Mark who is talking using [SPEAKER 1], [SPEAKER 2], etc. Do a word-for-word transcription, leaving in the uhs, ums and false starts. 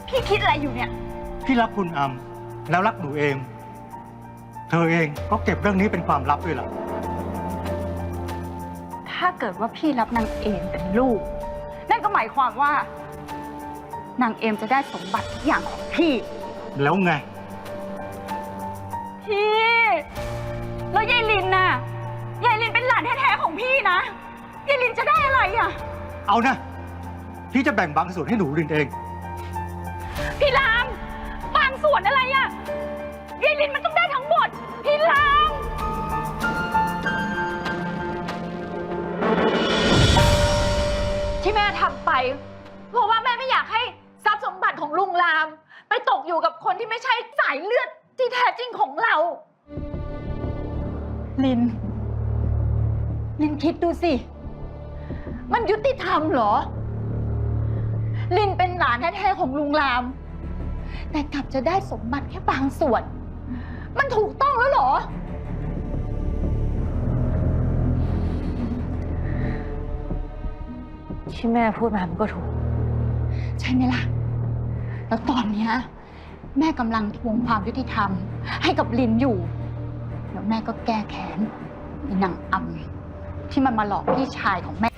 [SPEAKER 1] พี่คิดอะไรอยู่เนี่ย
[SPEAKER 2] พี่รักคุณอำแล้วรักหนูเอง เธอเองก็เก็บเรื่องนี้เป็นความลับด้วยล่ะ
[SPEAKER 1] ถ้าเกิดว่าพี่รับนางเอมเป็นลูก นั่นก็หมายความว่านางเอมจะได้สมบัติทุกอย่างของพี่
[SPEAKER 2] แล้วไง
[SPEAKER 1] พี่แล้วยายลินน่ะยายลินเป็นหลานแท้ๆของพี่นะยายลินจะได้อะไรอ่ะ
[SPEAKER 2] เอานะ พี่จะแบ่งบางส่วนให้หนูลินเอง
[SPEAKER 1] พี่รามบางส่วนอะไรอ่ะยายลินมันต้องได้ทั้งหมดพี่รามที่แม่ทำไปเพราะว่าแม่ไม่อยากให้ทรัพย์สมบัติของลุงรามไปตกอยู่กับคนที่ไม่ใช่สายเลือดที่แท้จริงของเราลินลินคิดดูสิมันยุติธรรมเหรอลินเป็นหลานแท้ๆของลุงรามแต่กลับจะได้สมบัติแค่บางส่วนมันถูกต้องแล้วเหรอ
[SPEAKER 3] ที่แม่พูดมามันก็ถูก
[SPEAKER 1] ใช่ไหมล่ะแล้วตอนนี้แม่กำลังทวงความยุติธรรมให้กับลินอยู่แล้วแม่ก็แก้แค้นไอ้นางอำที่มันมาหลอกพี่ชายของแม่